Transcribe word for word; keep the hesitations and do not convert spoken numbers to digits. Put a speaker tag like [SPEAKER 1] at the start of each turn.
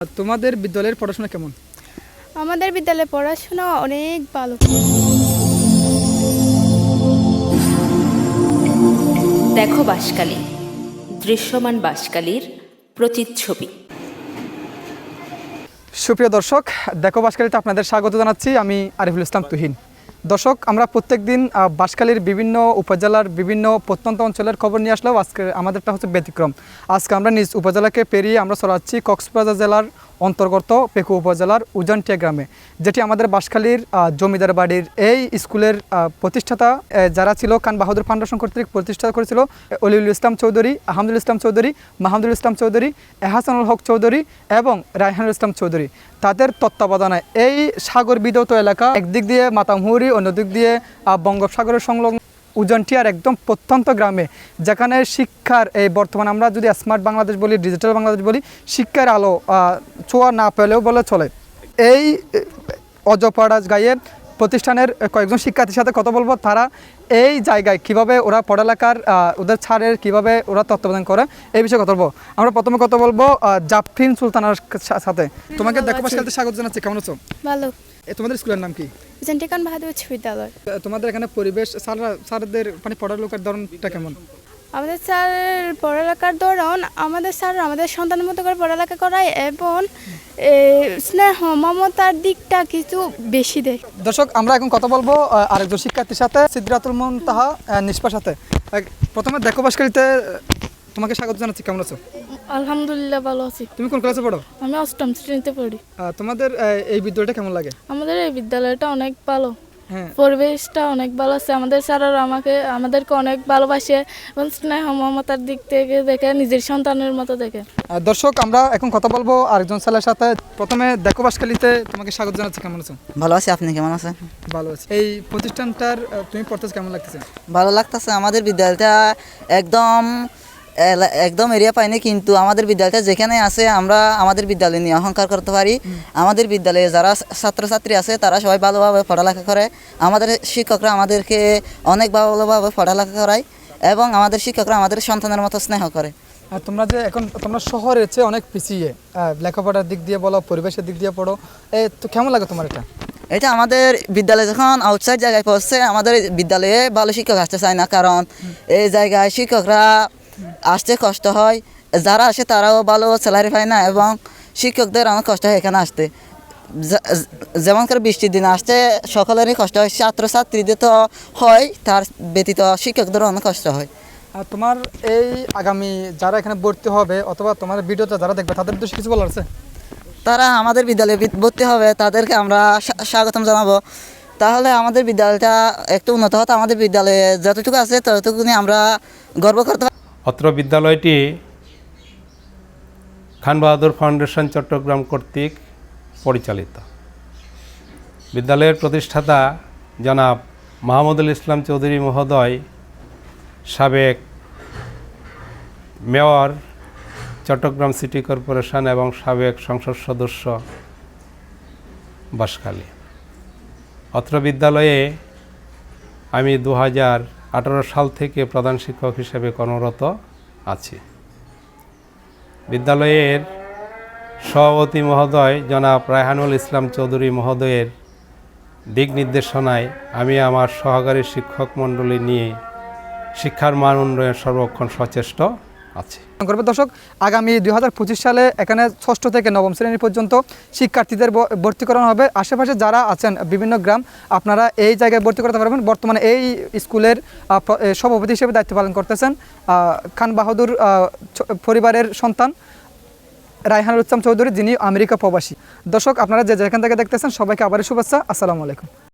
[SPEAKER 1] তোমাদের বিদ্যালয়ের পড়াশোনা কেমন?
[SPEAKER 2] আমাদের বিদ্যালয়ে পড়াশোনা অনেক ভালো।
[SPEAKER 3] দেখো বাঁশখালী, দৃশ্যমান বাঁশখালীর প্রতিচ্ছবি।
[SPEAKER 1] সুপ্রিয় দর্শক, দেখো বাঁশখালীতে আপনাদের স্বাগত জানাচ্ছি। আমি আরিফুল ইসলাম তুহিন। দর্শক, আমরা প্রত্যেক দিন বাঁশখালীর বিভিন্ন উপজেলার বিভিন্ন প্রত্যন্ত অঞ্চলের খবর নিয়ে আসলেও আজকে আমাদেরটা হচ্ছে ব্যতিক্রম। আজকে আমরা নিজ উপজেলাকে পেরিয়ে আমরা চলাচ্ছি কক্সবাজার জেলার অন্তর্গত পেকু উপজেলার উজানটিয়া গ্রামে, যেটি আমাদের বাঁশখালীর জমিদার বাড়ির এই স্কুলের প্রতিষ্ঠাতা যারা ছিল খান বাহাদুর ফাউন্ডেশন কর্তৃক প্রতিষ্ঠা করেছিল অলিউল ইসলাম চৌধুরী, আহমদুল ইসলাম চৌধুরী, মাহমুদুল ইসলাম চৌধুরী, এহসানুল হক চৌধুরী এবং রায়হানুল ইসলাম চৌধুরী। তাদের তত্ত্বাবধানে এই সাগর বিধৌত এলাকা একদিক দিয়ে মাতামহুরি, অন্যদিক দিয়ে বঙ্গোপসাগরের সংলগ্ন উজানটিয়ার একদম প্রত্যন্ত গ্রামে, যেখানে শিক্ষার এই বর্তমানে আমরা যদি স্মার্ট বাংলাদেশ বলি, ডিজিটাল বাংলাদেশ বলি, শিক্ষার আলো ছোঁয়া না পেলেও বলে চলে। এই অজপাড়া গায়ে প্রতিষ্ঠানের কয়েকজন শিক্ষার্থীর সাথে কথা বলবো, তারা এই জায়গায় কিভাবে ওরা পড়ালেখার ওদের ছাড়ের কিভাবে ওরা তত্ত্বাবধান করে এই বিষয়ে কথা বলবো। আমরা প্রথমে কথা বলবো জাফরিন সুলতানার সাথে। তোমাকে দেখো বাঁশখালীতে স্বাগত জানাচ্ছি। কেমন আছো?
[SPEAKER 2] ভালো।
[SPEAKER 1] তোমাদের স্কুলের নাম কি?
[SPEAKER 2] খান বাহাদুর উচ্চ বিদ্যালয়।
[SPEAKER 1] তোমাদের এখানে পরিবেশ, স্যাররা স্যারদের মানে পড়ালেখার ধরনটা কেমন?
[SPEAKER 2] আমাদের স্যার পড়ালেখার ধরন, আমাদের স্যার আমাদের সন্তানের মতো করে পড়ালেখা করায় এবং স্নেহ মমতার দিকটা কিছু বেশি দেয়।
[SPEAKER 1] দর্শক, আমরা এখন কথা বলবো আরেকজন শিক্ষার্থীর সাথে, সিদ্রাতুল মুনতাহা নিষ্পার সাথে। প্রথমে দেখো বাঁশখালীতে তোমাকে স্বাগত জানাচ্ছি। কেমন আছো?
[SPEAKER 2] আলহামদুলিল্লাহ, ভালো আছি।
[SPEAKER 1] তুমি কোন ক্লাসে পড়ো?
[SPEAKER 2] আমি অষ্টম শ্রেণীতে পড়ি।
[SPEAKER 1] তোমাদের এই বিদ্যালয়টা কেমন লাগে?
[SPEAKER 2] আমাদের এই বিদ্যালয়টা অনেক ভালো, পরিবেশটা অনেক ভালো আছে। আমাদের স্যাররা আমাকে আমাদেরকে অনেক ভালোবাসে এবং স্নেহ মমতার দিক থেকে দেখে নিজের সন্তানের মতো দেখে।
[SPEAKER 1] দর্শক, আমরা এখন কথা বলবো আরেকজন ছেলের সাথে। প্রথমে দেখো বাঁশখালীতে তোমাকে স্বাগত জানাচ্ছি। কেমন আছো?
[SPEAKER 4] ভালো আছি। আপনি কেমন আছেন?
[SPEAKER 1] ভালো আছি। এই প্রতিষ্ঠানটার তুমি পড়তেছ, কেমন লাগতেছে?
[SPEAKER 4] ভালো লাগতেছে। আমাদের বিদ্যালয়টা একদম একদম এরিয়া পাইনি, কিন্তু আমাদের বিদ্যালয়টা যেখানে আছে আমরা আমাদের বিদ্যালয় নিয়ে অহংকার করতে পারি। আমাদের বিদ্যালয়ে যারা ছাত্রছাত্রী আছে তারা সবাই ভালোভাবে পড়ালেখা করে। আমাদের শিক্ষকরা আমাদেরকে অনেক ভালোভাবে পড়ালেখা করায় এবং আমাদের শিক্ষকরা আমাদের সন্তানের মতো স্নেহ করে।
[SPEAKER 1] আর তোমরা যে এখন তোমরা শহরের চেয়ে অনেক পিছিয়ে, লেখাপড়ার দিক দিয়ে বলো, পরিবেশের দিক দিয়ে পড়ো, এই তো কেমন লাগে তোমার এটা?
[SPEAKER 4] এটা আমাদের বিদ্যালয়ে যখন আউটসাইড জায়গায় পড়ছে, আমাদের বিদ্যালয়ে ভালো শিক্ষক আসতে চায় না, কারণ এই জায়গায় শিক্ষকরা আসতে কষ্ট হয়। যারা আসে তারাও ভালো স্যালারি পায় না এবং শিক্ষকদের অনেক কষ্ট হয় এখানে আসতে। যেমন করে বৃষ্টির দিনে আসতে সকলেরই কষ্ট হয়, ছাত্রছাত্রীদের তো হয়, তার ব্যতীত শিক্ষকদেরও অনেক কষ্ট হয়।
[SPEAKER 1] আর তোমার এই আগামী যারা এখানে ভর্তি হবে অথবা তোমার ভিডিওটা যারা দেখবে তাদের উদ্দেশ্যে কিছু বলার আছে?
[SPEAKER 4] তারা আমাদের বিদ্যালয়ে ভর্তি হবে, তাদেরকে আমরা স্বাগতম জানাবো। তাহলে আমাদের বিদ্যালয়টা একটু উন্নত হতো। আমাদের বিদ্যালয়ে যতটুকু আছে ততটুকু নিয়ে আমরা গর্ব করতে পারি।
[SPEAKER 5] অত্র বিদ্যালয়টি খান বাহাদুর ফাউন্ডেশন চট্টগ্রাম কর্তৃক পরিচালিত। বিদ্যালয়ের প্রতিষ্ঠাতা জনাব মাহমুদুল ইসলাম চৌধুরী মহোদয়, সাবেক মেয়র চট্টগ্রাম সিটি কর্পোরেশন এবং সাবেক সংসদ সদস্য বাঁশখালী। অত্র বিদ্যালয়ে আমি দু হাজার আঠারো সাল থেকে প্রধান শিক্ষক হিসেবে কর্মরত আছি। বিদ্যালয়ের সভাপতি মহোদয় জনাব রায়হানুল ইসলাম চৌধুরী মহোদয়ের দিক নির্দেশনায় আমি আমার সহকারী শিক্ষক মণ্ডলী নিয়ে শিক্ষার মান উন্নয়ন সর্বক্ষণ সচেষ্ট আছি।
[SPEAKER 1] দর্শক, আগামী দুই হাজার পঁচিশ সালে এখানে ষষ্ঠ থেকে নবম শ্রেণী পর্যন্ত শিক্ষার্থীদের ভর্তি করানো হবে। আশেপাশে যারা আছেন বিভিন্ন গ্রাম, আপনারা এই জায়গায় ভর্তি করতে পারবেন। বর্তমানে এই স্কুলের সভাপতি হিসেবে দায়িত্ব পালন করতেছেন খান বাহাদুর পরিবারের সন্তান রায়হানুল ইসলাম চৌধুরী, যিনি আমেরিকা প্রবাসী। দর্শক, আপনারা যে যেখান থেকে দেখতেছেন সবাইকে আবারও শুভেচ্ছা। আসসালামু আলাইকুম।